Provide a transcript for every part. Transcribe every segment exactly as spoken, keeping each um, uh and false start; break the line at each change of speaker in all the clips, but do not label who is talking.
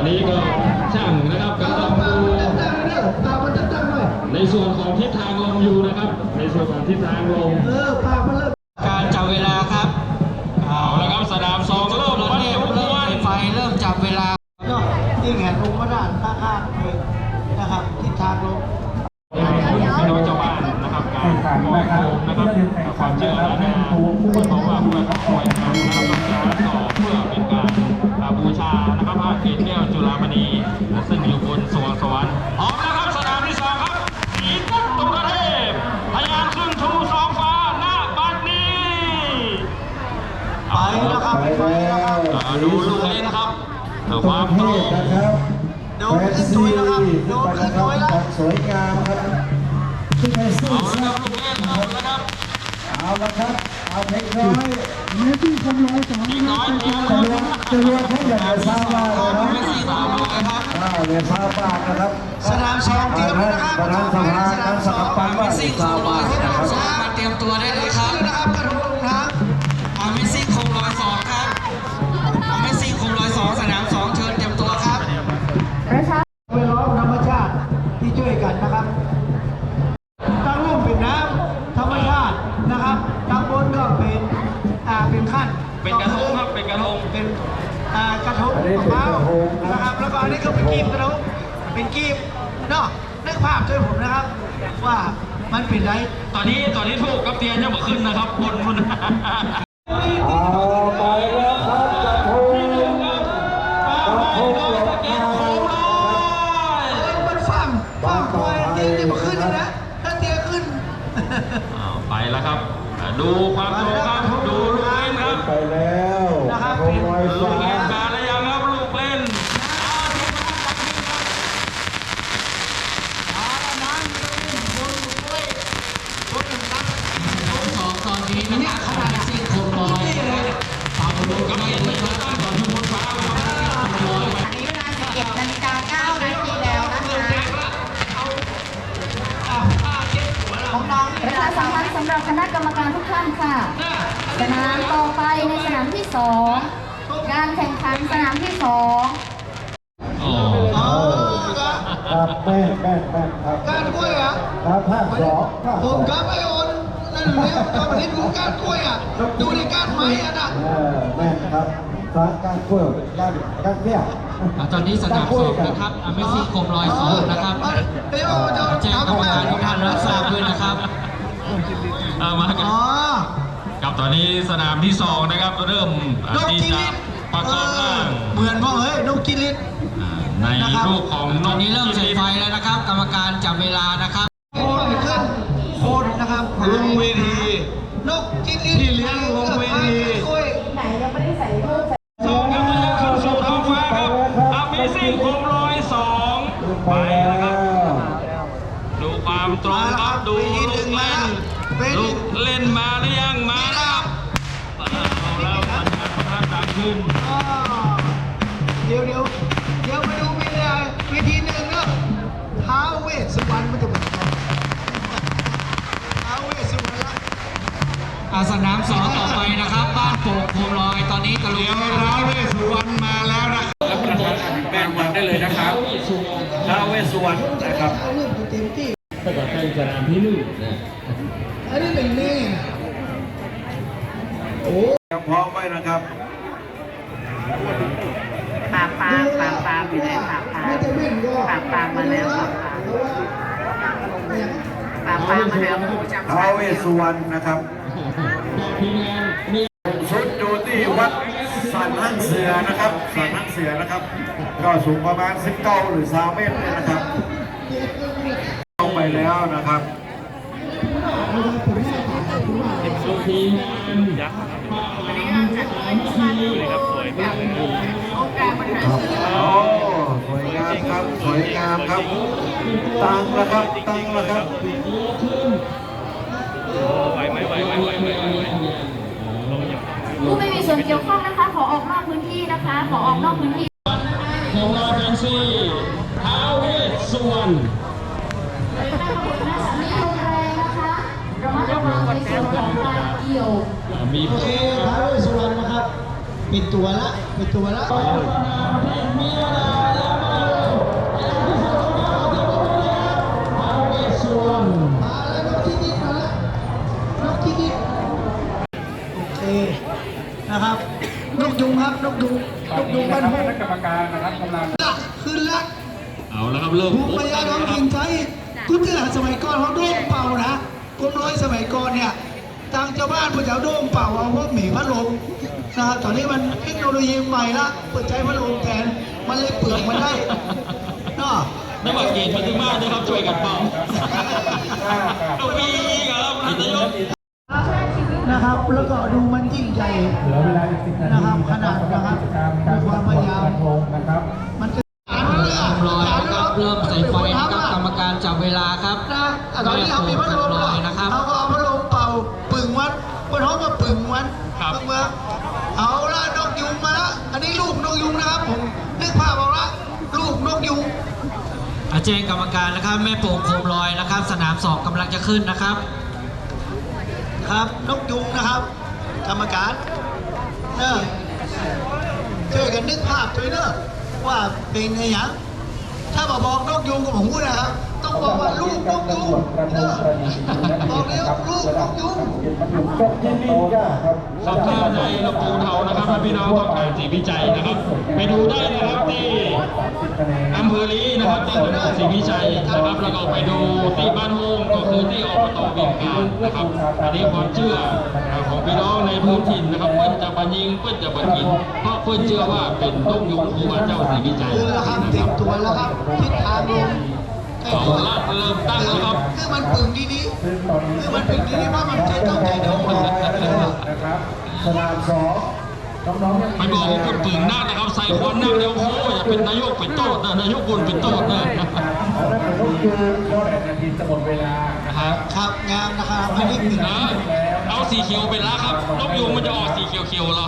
อันนี้ก็ช่างนะครับกำลังดูในส่วนของทิศทางลมอยู่นะครับในส่วนของทิศทางลม
การจับเวลาครับ
เอาละครับสนามสองเริ่มวัดทุกวัน
ไฟเริ่มจับเวลา
ก็ยิ่งเห็นลงมาด้านข้างๆเลยนะครับทิศทางลม
พี่น้องเจ้าบ้านนะครับการขอโคมนะครับความเชื่อและนะเพราะว่าเพื่อเขาคอยทำนะครับต้องการต่อเพื่อเป็นการบูชานะครับพระเกศแก้วจุฬามณีซึ่งอยู่บนสวงสวรรค์พร้อมแล้วครับสนามที่สองครับสีกุ๊กตุกเทพพยายามขึ้นชูสองฟ้าหน้าบัดนี้
ไปแล้วครับไปแล้วครับ
ดูลูกเล่นครับความตรง
ดูขึ้นสวยนะครับดูขึ้นสวยแล้ว
สวยงามครับขึ้นไปสู้
ครับลูกเล่นเอาแล้วครับ
เอาละครับเอาเพลงน้อย
เมสซี่คำร้อยสอง
น้อยเดียว
จะรวมให้อย่างไรทราบว่าเลยนะ
เมสซี่สามลูกนะครับ
อ้าวเนี่ยทราบบ้างนะครับ
สนามสองเตรียมนะครับ
ประธานสภาการสกัดปันว่าทราบบ้างนะครับ
มาเตรียมตัวได้เลยครับ
นะครับกระทงลงน้
ำอาเมสซี่คงร้อยสองครับอาเมสซี่คงร้อยสองสนามสองเชิญเตรียมตัวครับ
ไปล้อมธรรมชาติที่ช่วยกันนะครับตั้งร่มเป็นน้ำธรรมชาตินะครับตั้งบนก็เป็นอ่าเป็นขั้น
เป็นกระทงครับเป็นกระทง
เป็นอ่ากระทงมะพร้าวนะครับแล้วก็อันนี้ก็เป็นกีบกระทงเป็นกีบเนาะนึกภาพช่วยผมนะครับว่ามันเป็นไร
ตอนนี้ตอนนี้ถูกกับเตียนยังไม่ขึ้นนะครับบนมัน
เอาไปแล้วครับกระทงกระทงหลอกมา
มันฟังฟังคอยเตียจะมาขึ้นนะถ้าเตียขึ้น
ไปแล้วครับดูความตรงครับดูลูกเล่นครับ
ไปแล้ว
นะครับ
ลูกเล่นมาแล้วยังครับลูกเล่น
สองตอนนี้นะครับเขาได้ซิ่งคงลอยฝากดูกันให้ดีครับตอนที่บนฟ้าอันนี้เวลาสิบเอ็ดนาฬิกาเก้านาทีแล้วนะคะของน้องประชาสัมพันธ์สำหรับคณะกรรมการทุกท่านค่ะสนามต่อไปในสนามที่สองการแข่งขันสนามที่สอง
ครับแม่แม่แม่ครับ
การกล้วยอ่ะ
ครับภาคสอง
ผมครับไอโอนนั่นเนี่ยตอนนี้ดูการกล้วยอ่ะดูในการไม้อ่ะนะ
เออแม่ครับสารการกล้วยการการเที่ยว
ตอนนี้สนามสองนะครับอเมซี่โคมลอยสองนะครับแจ้งกรรมการทุกท่านรับทราบด้วยนะครับ
มากันกับตอนนี้สนามที่สองนะครับเริ่มที่จะประกอบร่าง
เหมือนว่าเฮ้ยนกกิริต
ในรูปของ
ตอนนี้เริ่มใส่ไฟแล้วนะครับกรรมการจับเวลานะครับ
โคนขึ้นโคนนะครับ
ลงเวที
นกกิริต
ที่เลี้ยงลงเวที
ไหนยังไม่ได้ใส่รูป
สองครับยังขึ้นสู่ท้องฟ้าครับอาเมซิ่งโคมลอยสองไปแล้วครับดูความตรงครับดูลูกเล่นลูกเล่นมาหรือยังมาแล้วเอาแล้วมันจะพัฒนาขึ้น
เดี๋ยวเดี๋ยวเดี๋ยวไปดูวิธีวิธีหนึ่งเนาะท้าวเวสสุวรรณมันจะเป็นท้าวเวสสุวรรณละ
อาสนามสองต่อไปนะครับบ้านโป่งโคมลอยตอนนี้กระลุก
ท้าวเวสสุวรรณมาแล้วนะรับประทานแบ่งวันได้เลยนะครับท้าวเวสสุวรรณนะครับถ้าเกิดเป็นสนามที่หนึ่งนะ
อันนี้เป็นนี่โอ้
พร้อมไว้นะครับ
ปามปามปามปามอยู่ไหนปามปามปามปามมาแล้วปามปามปามปามมาแล้ว
ท้าวเวสสุวรรณนะครับชุดอยู่ที่วัดสันหังเสือนะครับสันหังเสือนะครับก็สูงประมาณสิบเก้าหรือสามเมตรนะครับลงไปแล้วนะครับ
ทีมงานยักษ์ครับสวยมากเลย
ครับโอ้สวยงามครับสวยงามครับตั้งแล้วครับตั้งแล้วครับ
ไหวไหมไหวไหมไหวไหม
ผู้ไม่มีส่วนเกี่ยวข้องนะคะขอออกนอกพื้นที่นะคะขอออกนอกพื้นที่
ของเราเป็นซี่ท้าวเวสสุวรรณ
มีลมแรงนะคะระมัดระวังในส่วนของการเกี่ยว
มี
โอเคท้าวเวสสุวรรณนะครับปิดตัวละปิดตัวละ
มีเวลา
นมาแล้วนกที่นิดมาแล้วนกที่นิดโอเคนะครับนกยุงครับนกยุงนกยุงบ้านโพ
คณะกรรมการนะครับกำลัง
ขึ้นละ
เอาแล้วครับเริ่ม
ภูมิปัญญาท้องถิ่นไทยกุศลสมัยก่อนเขาโด่งเป่านะกรมร้อยสมัยก่อนเนี่ยทางชาวบ้านพวกเจ้าโด่งเป่าเอาพวกหมีพัดลมนะครับตอนนี้มันเทคโนโลยีใหม่ละเปิดใจพัดลมแทนมันเลยเปลือกมันได้เนาะ
นักบัตรเกณฑ์มาถึงบ้านนะครับช่วยกันเป่าต้องมีอีกครับท่านนายก
นะครับแล้วก็ดูมันยิ่งใหญ่
เหลือเวลาอีกสิบนาที
นะครับขนาดนะครับ
การ
มีความพยายาม
กระทงนะครับ
มันจะ
ลอยนะครับเริ่มใส่ไฟนะครับกรรมการจับเวลาครับ
นะตอนนี้เขามีพัดลม
ลอยนะครับ
เขาก็เอาพัดลมเป่าปึ่งวัดบนห้องก็ปึ่งวัน
ครับ
ปึ่งเมืองเอาละนกยุงมาละอันนี้ลูกนกยุงนะครับผมนึกภาพออกละลูกนกยุง
อาแจ้งกรรมการนะครับแม่โป่งโคมลอยนะครับ สนามสองกำลังจะขึ้นนะครับ
ครับนกยุงนะครับ กรรมการเนอะช่วยกันนึกภาพด้วยเนอะว่าเป็นไงอย่างถ้าบอกบอกนกยุงก็ผมพูดนะครับต้องบอกว่าลูกนกยุงเนอะบอกเลยว่าลูกนกยุง
สำนักในลำพูนเทานะครับถ้าพี่น้องต้องการสีวิจัยนะครับ ไปดูได้นะครับที่อำเภอลีนะครับที่ถนนศรีวิชัยนะครับแล้วก็ไปดูที่บ้านโฮงก็คือที่อบตเวียงการนะครับอันนี้ความเชื่อของพี่น้องในพื้นถิ่นนะครับเพื่อนจะบันยิงเพื่อนจะบันกินเพราะเพื่อนเชื่อว่าเป็นนกยุงครูบาเจ้าศรีวิจัย
คือแล้วครับ
นะ
เต็
ครั
ม
บ
ตัวแล้วครับทิศทางลม
เอาละเริ่มตั้งแล้วครับ
คือมันปึงดีนี้คือมันปึงดีนี้เพราะมันใจต้องใจเดียว
นะครับสนามสองน้องๆยัง
ไปบอกว่าคุณปึงหน้านะครับใส่ควันหน้าเดียวโอ้ยอย่าเป็นนายกเป็นโต๊ดนะนายกบุญเป็นโต๊ดนะ
เอาละเป็นลูกยืนก็แปดนาทีจะหมดเวลา
นะครับ
ครับงามนะครับอันนี้ปิด
นะเอาสีเขียวเป็นละครับนกยุงมันจะออกสีเขียวๆเหรอ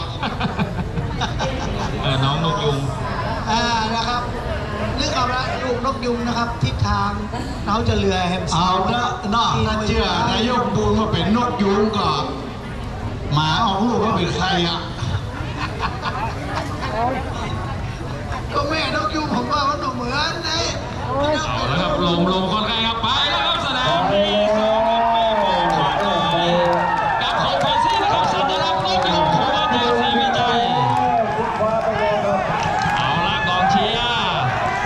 เออน้องนกยุง
อ่านะครับนึกเอาละลูกนกยุงนะครับ ทิศทางเราจะเรือแฮมสเอาละนอกถ้าเชื่อนายกบูมมาเป็นนกยุงก็หมาออกลูกว่าเป็นใครอ่ะก็แม่นกยุงผมว่ามันเหมือนไง
เอาแล้วครับลมลมคนไข้ครับไปแล้วครับสนามนี้สองกับของไพซี่นะครับสัญลักษณ์นกยุงของบ้านเดียวศรีวิจัยเอาละกองเชียร์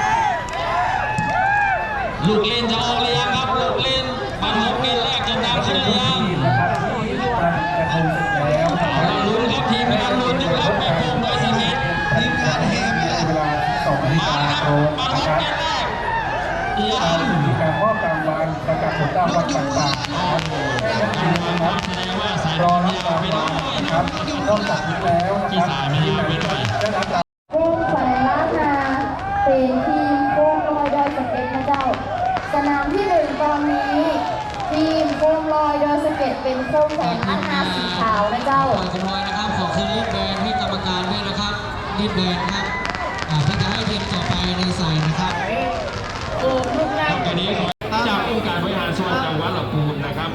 ลูกเล่นจะออกเรียงครับลูกเล่นบันทึกเกมแรกจะนำขึ้นเรียง
กระทงเสร็จแล้ว
เอาละลุ้นครับทีมงานลุ้นอยู่ครับแม่โป่งร้อยสิบเอ็ด
ทีมงานแฮมเนี่ย
เวลาสองนาฬิ
มาแล้ว
กา
ครับ
ตรง
มา
นะ
ลุ้น
ครับ
เกมแรกยัง
มีการมอบรางวัลประกาศผลรางวัลต่างๆนะครับ
แสดงว่าสาย
ร
ร
อ
อ
รั
นี่
บ
เอา
ราง
ไป
วั
ด้ว
ล
ย
นะ
นะ
ค
ค
รั
รั
บบ นอกจากนี้แล้วนะ
ที่
ครับ
สายไม่เอาไปด้วย
ได้รับรางวัล
วงสัญลักษณ์นาเป็นทีมโคมลอยดอยสะเก็ดนะเจ้า สนามที่หนึ่งตอนนี้ ทีมโคมลอยดอยสะเก็ดเป็นโคมแสนล้านนาสีขาวนะเจ้า
ปล่อยกำลอยนะครับขอคืนรีดแบนให้กรรมการด้วยนะครับรีดแบนครับอ่าเพื่อจะให้ทีมต่อไปในใส่นะครับ
ครับตอนนี้ขอจากองค์การบริหารส่วนจังหวัดลำพูนนะครับ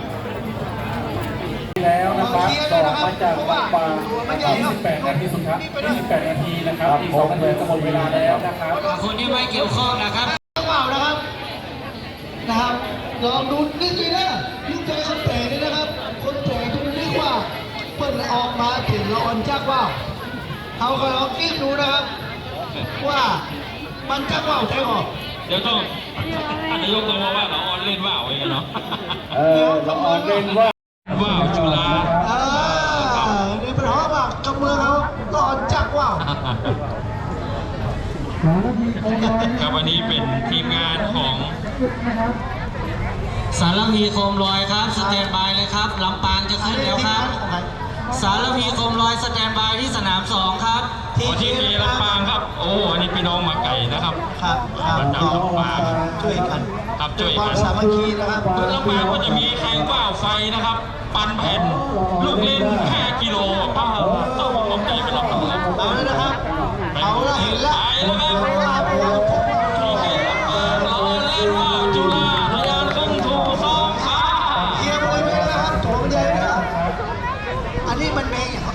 แล้วนะครับต่อมาจากวัดป่ายี่สิบแปดนาทีสุดท้ายยี่สิบแปดนาทีนะครับอีกสองนาทีจะหมดเวลาแล้วนะครับ
คนที่ไม่เกี่ยวข้องนะครับ
เปล่านะครับนะครับลองดูนิดนึงนะลูกใจคนแปลกเลยนะครับ คนแปลกที่มันเรียกว่าเปิดออกมาถึงร้อนจักว่าวเขาก็ลองคิดดูนะครับ ว่ามันจักว่าวใจออก
เดี๋ยวต้องท่านนายกต้องมาว่าเราออนเล่นว่าวเองเนาะ
เออเราออนเล่นว่า
ว่าวจุฬา
เออในปัญหาว่ากับเมืองเขาร้อนจักว่าว
ครับวันนี้เป็นทีมงานของ
สารพีโคมลอยครับสแตนบายเลยครับลำปางจะขึ้นแล้วครับ สารพีโคมลอยสแตนบายที่สนามสองครับ
ขอที่เอลำปางครับ โอ้อันนี้พี่น้องมาไก่นะครับ
ครับครับ
มาจากลำปาง
ช่วยกัน
ครับช่วย
ค
กั
วาม
น
สามัคคีนะครับ
เพื่อลำปางก็จะมีแข่งว่าวไฟนะครับ ปันแผ่นลูกเล่นห้ากิโลป้าต้องลงใจไปรับมือ
เอาแล้วนะครับ เอาละเห็นแล้ว
ไปแล้วครับ
ว่าพวก
ที่เอลำปางรอเล่นว่าวจุฬาทะยานขึ้นถูกสองขา
เฮียมวยไปแล้วนะครับโถมใหญ่นะครับ อันนี้มันเมงอย่างครับ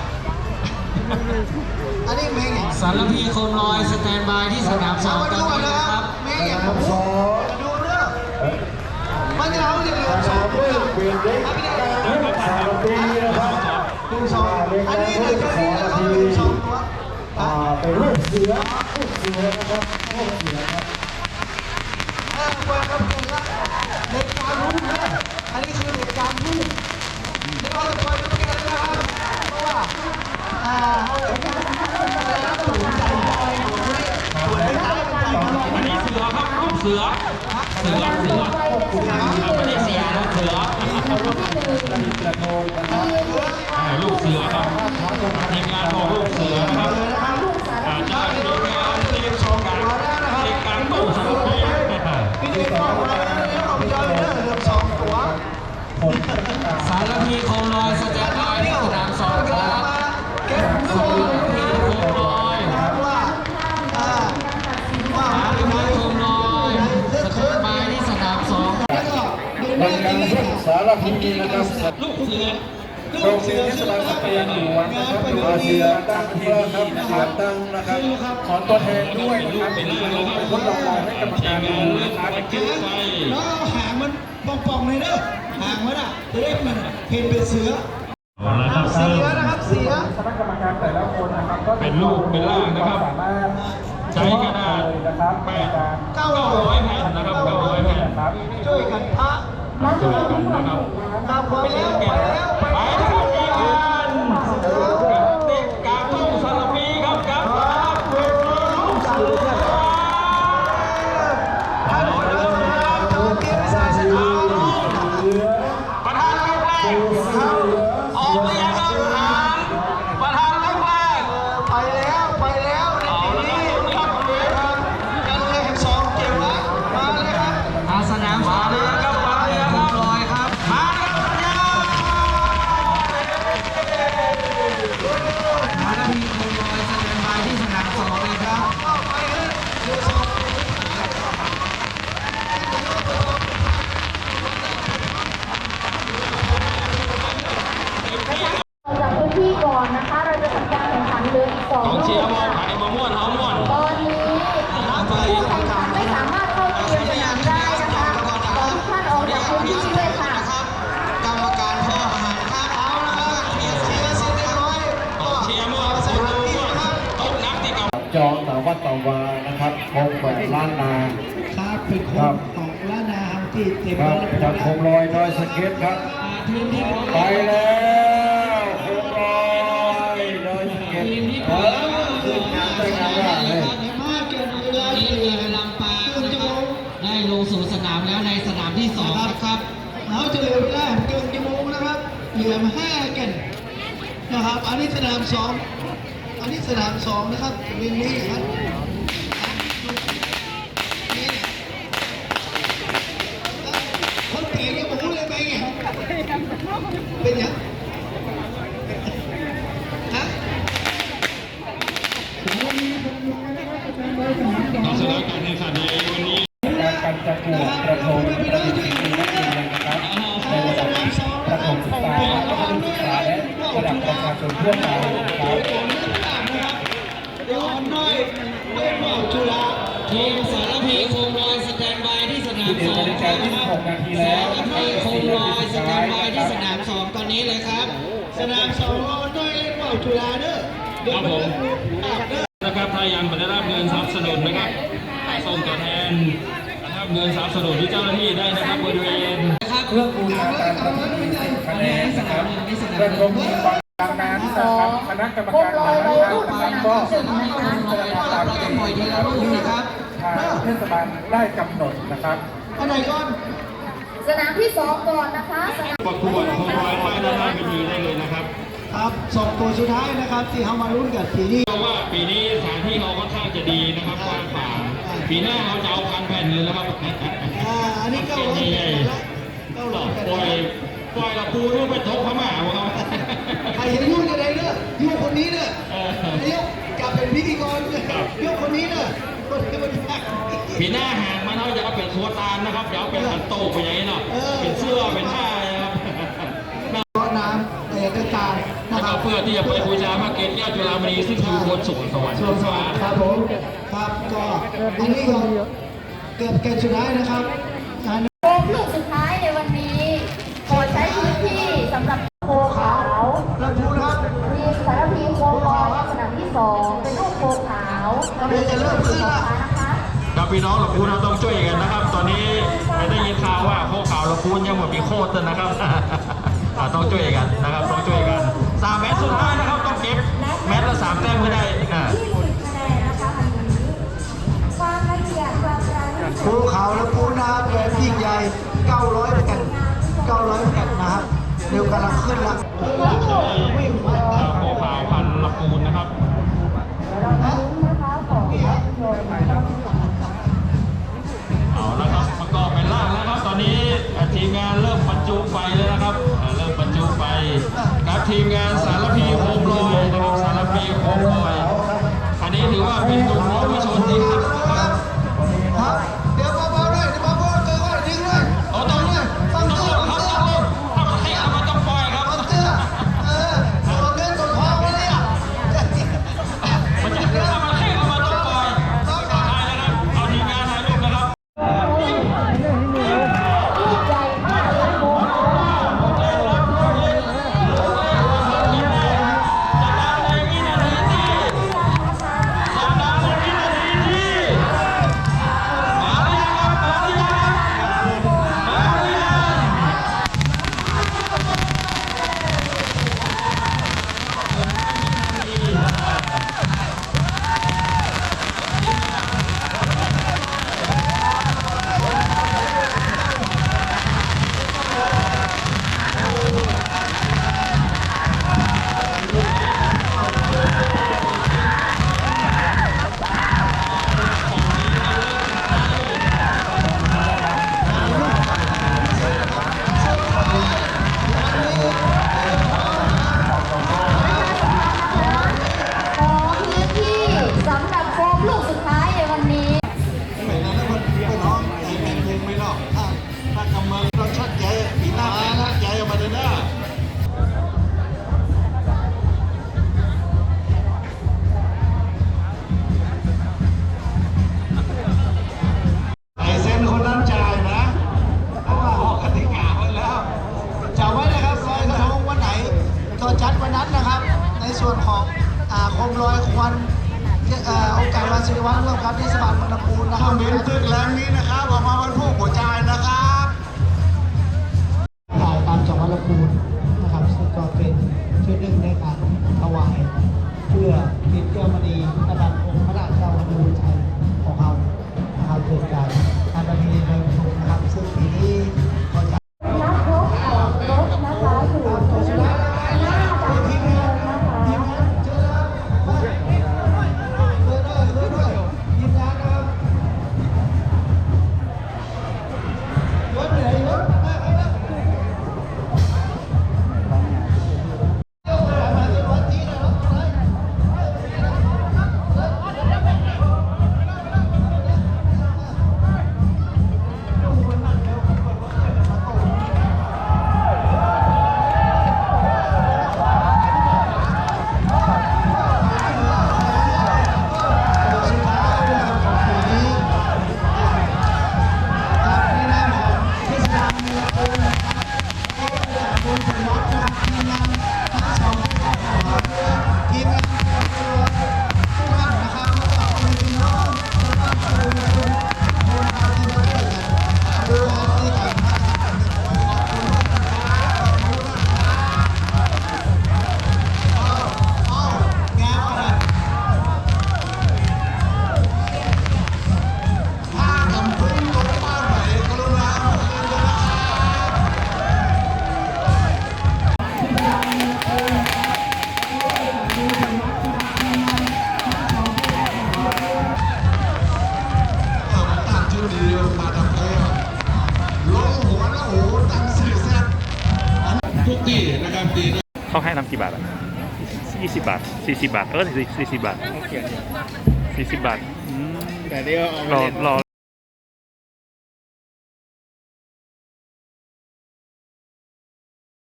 อันนี้เมงอย่าง
สารพีโคมลอยสแตนบายที่สนามสอ
เอา
ง
มา
ต
ดู
อน
ก่อน
นี้
นะ
นะ
ค
ค
รั
รั
บบ เมงอย่างผมมาดูเรื่องไม่อนที่เราจะเหลือสองตัวครับพี่เด็ก
สามปีนะครับ
หนึ่งสองอันนี้เหลือแค่นี้นะครับหนึ่งสองตัว
อ่าเป็นลูกเสือลูกเสือนะครับลูกเสือครับ
เออเปิดครับเปิดครับเด็กการรุ่งนะอันนี้คือเด็กการรุ่งเดี๋ยวเราจะเปิดกันนะครับเพราะว่าอ่าเขาสูงใจใจตัวเล็กใจใจ
อันนี้เสือครับลูกเสือเสือเสือไม่ได้เสียนะเสืออ่าลูกเสือครับทีมงานของลูกเสือนะครับอาจจะทีมงานทีมชมการทีมการตู้สารพัด
พี่เด็กบอกว่าแล้วเอาไปเจอเรื่องเหลือสองตัว
สารพีโคมลอยสแตนบายที่สนามสองครับ
เก็บ
สารพีโคมลอย
ว่าอ่าว่า
สารพีโคมลอยสแตนบายที่สนามสอง
แล้วก็ดู
บร
เรื่
ร
อง
ยา
นี้
กาศสารพีนะครับ
ลูกเสือ
โรงเรียนเทศบาลสเปียนหลวงนะครับอาเซียตั้งเพื่อครับเสียตั้งนะครับขอตัวแทนด้วยนะครับเป็นทดลองให้กรรมการดูนะครับ
แล้วเอาหางมันป่องๆเลยเด้อหางมันอ่ะจะได้มันเห็นเป็นเสือ
นะครับ
เสือนะครับเสือ
คณะกรรมการแต่ละคนนะครับก็
เป็นลูกเป็นล่างนะครับ
สามารถ
ใช้กระดาษ
นะครับ
แป
ใน
ด
การ
เก้า
เก้าร้อยแผ่นนะครับเก้าร้อยแผ่น
ครับ
ช่วยกันพระ
ช่วยกันนะครับ
ตามความแล้วไปแล้ว
ไปนะครับทีมงานเด็กกาตุ้งสารพีครับครับลูกเสือ
ท่านหัวหน้าเขาเก็บศาสนา
ประธานแรกแรกออกไปยังครับประธานแรกแรก
ไปแล้วไปแล้วในปีนี้ครับกันเลขสองเก็บละมาเลยครับ
อาสนามสองครับสารพีโคมลอยครับ
มาครับยา
สารพีโคมลอยสแตนบายที่สนามสองเลยครับ
เข้าไปเลยเรือสอง
จากพื้นที่ก่อนนะคะ เราจะทำการแข่งขันเหลืออีกสอง
กอง
ลู
เชีย
ก
ร์มอง
ค่ะ
ไปมาม่วนเฮาม่วน
ตอนนี้ผู้แข่งขันไม่สามารถเข้าเกมสนามได้นะคะขอทุกท่านออกจากพื้นที่ด้วยค่ะ
กรรมการพ่ออาหารครับเอาละครับเชียร์เชียร์เสร็จเรียบร้อย
กองเชียร์ม่วน
ใส่
ม่วน
ที
ม่วน
นะครับ
ตกนักที่เก่า
จองสาวัตตวานะครับคงแหวนล้านนา
ครับเป็นคนของล้านนาครับที่เต็ม
ครับจากโคมลอยดอยสะเก็ตครับ
ทีมที่
ไปแล้วโคมลอยดอยสะเก็ตเออขึ้นงานได้งานว่าเลย
มาเกินเวลา
ทีมเรือลำปางนะครับได้ลงสู่สนามแล้วในสนามที่สองนะครับ
เราจะเหลือเวลาเกินชั่วโมงนะครับเหลือมาห้ากันนะครับ อันนี้สนามสองอันนี้สนามสองนะครับเรื่องนี้ครับคนเก่งยังบอกเลยไปไงเป็นยังฮะ
ต่อสถานการณ์ในขันในวันนี้
การการจัดวกระทงประดิษฐ์สิ่งนี้นั่นเองนะครับในระดับประถมศึกษาและมัธยมศึกษาและระดับประชาชนทั่วไปนะครับ
เดี๋ยวอ่อนน้อยเล่นว่าวจุฬา
ทีมสารพีโคมลอยสแตนบายที่สนาม
สิบเอ็
ส
ด
อง
นาฬิ
ค
กา
รับ
ยี่สิบหกนาทีแล้ว
สาร
นะครั
พี
บ
โคมลอยสแตนบายที่สนามสองตอนนี้เลยครับ
สนามสองอ่อนน้อยเล่นว่าวจุฬาเด้อเดี๋ยวไปเล่นอาบเด้อ
นะครับถ้ายังไม่ได้รับเงินสนับสนุนนะครับส่งตัวแทนนะครับเงินสนับสนุนที่เจ้าหน้าที่ได้นะครับบริเวณ
เครื่องบูชาการประทับมีสิบคะแนนนะครับเรื่องรวมมีความดังนั้นนะครับคณะกรรมการแต่ละท่านนะครับก็พิจารณาตามเกณฑ์นะครับที่ทางเทศบาลได้กำหนดนะครับ
อันไหนก่อน
สนามที่สองก่อนนะคะสนาม
ประกวดโคมลอยไปด้านหน้าเวทีได้เลยนะครับ
ครับสองตัวสุดท้ายนะครับที่เขามาลุ้นกันปีนี้
เพราะว่าปีนี้สถานที่เราค่อนข้างจะดีนะครับกว้างขวางปีหน้าเราจะเอาพันแผ่นเลยแล้วครับ
อ่าอันนี้เก้าร้อยแปดแล้วเก้าร้อยแปด
ปล่อยปล่อยละปูนู่นไปทบพม่าวะครับ
ใครจะยุ่งจะได้เด้อยุ่งคนนี้เด้อเดี๋ยวกลับเป็นพิธีกรเด้อยุ่งคนนี้เด้อคนที่มันแพ้
ปีหน้าหางมันเราจะเอาเป็นโคตานนะครับเดี๋ยวเอาเป็นขันโตกไปอย่างนี้เนาะเป็นเสื้อเป็นผ้านะครับ
เพราะน้ำแต่กระจายนะ
นะ
ค
ค
รั
รั
บบ
เพื่อที่จะไปบูชาพระเกศแก้วจุฬามณีซึ่งอยู่บนสวงสวรรค์
ส่วนสวัสดิ์ครับผมครับก็อันนี้ก็เกือบเกณฑ์สุดท้ายนะครับอัน
โค้งลูกสุดท้ายในเรียนเชิญผู้ต่อมานะคะ
ครับพี่น้องลำพูนเราต้องช่วยกันนะครับ ตอนนี้ไม่ได้ยินข่าวว่าโคข่าวลำพูนยังไม่มีโคตรนะครับ อ่าต้องช่วยกันนะครับต้องช่วยกันสามแมตช์สุดท้ายนะครับต้องเก็บแมตช์ละสามแต้มให้ได้อ่า
ยี่สิบคะแนนนะคะวันนี้ความละเอียดความรายละเอียด
ภูเขาและปูนาแบบยิ่งใหญ่เก้าร้อยแผ่นเก้าร้อยแผ่นนะครับเร็วกำลังขึ้นละ
อ่าโคข่าวพันลำพูนนะครับ
เราลุ้นนะคะของภาพยนตร์
เอาละครับประกอบเป็นล่างแล้วครับตอนนี้ทีมงานเริ่มบรรจุไฟแล้วนะครับอ่าเริ่มบรรจุไฟกับทีมงานสารพีโคมลอยนะครับสารพีโคมลอยอันนี้ถือว่าเป็นหนุ่มน้อยวิชนที่ครับ
ครับเดี๋ยวเบาๆด้วยเดี๋ยวเบาๆเจอก่อนทิ้งด้วย
เอาต้อง
เลยฟัง
ต้อง
เสื้อ
ล
ฟั
ง
ง
ครับ
เสื้อ
ต้องลงถ้ามันให้เอามาต้องปล่อยครับ
ฟังเสื้อเออตัวเงินตัวทองวะเนี่ย
มันจะถ้ามันให้เอามาต้องปล่อยต้องถ่ายนะครับเอาทีมงานถ่ายรูปนะครับ
ใหญ่มากเลยโม ขอพื้นที่สำหรับโฟมลูกสุดท้ายในวันนี้
ไม่นานแล้วมันไม่น้องไอ้แมงมุมไม่นอกถ้าถ้ากำมือเราชัดใหญ่ปีหน้าแมงชัดใหญ่ออกมาเลยนะไอ้เซ็นคนนั้นจ่ายนะเพราะว่าออกกติกาไว้แล้วจำไว้นะครับลอยกระทงวันไหนก็จัดวันนั้นนะครับ ในส่วนของอ่าโคมลอยควันเอ่อองค์การวันศิริวัฒน์ร่วมกับเทศบาลเมืองลำพูนนะครับเบนตึกแรงนี้นะครับออกมาวันพวกหัวใจนะครับถ่ายตามจังหวัดลำพูนนะครับซึ่งก็เป็นชื่อหนึ่งในการถวายเพื่อปิดแก้วมณีนะครับองค์พระราชเจ้าพระบูชัยของเรานะครับเกิดการการประเพณีลอยกระทงนะครับซึ่งปีนี้ก็จะ
นักรบของรถนะคะอยู่ที่หน้าด่านเนินนะคะ
เจอแล้วเจอด้วยเจอด้วยทีมงานนะครับรถไหนรถมาครับมาที่รถที่นะรถอะไรสุดท้ายนะครับของปีนี้ครับในนามของเทศบาลเมืองลำพูนนะครับ คุณสมบัตินะครับทีมงานทั้งสองทีมงานทีมงานทุกท่านนะครับแล้วก็คุณพี่น้องแล้วก็คุณคุณคนทำที่มาช่วยกันดูแลที่การพัฒนาขอบคุณมากครับขอบคุณมากครับเอาเอาแง่อะไรถ้ากำพึ่งตกบ้านไหนกรุณาเอาคืนกันนะครับ ตั้งชื่อดีมาทำเพลงลงหัวแล้วโอ้โหตั้งสี่แซ่บทุกที่นะครับดีนะ
เขาให้น้ำกี่บาทอ่ะยี่สิบบาทสี่สิบบาท เออสี่สิบบาทสี่สิบบาทอืม
แต่เดี๋ยวเอา
รอรอ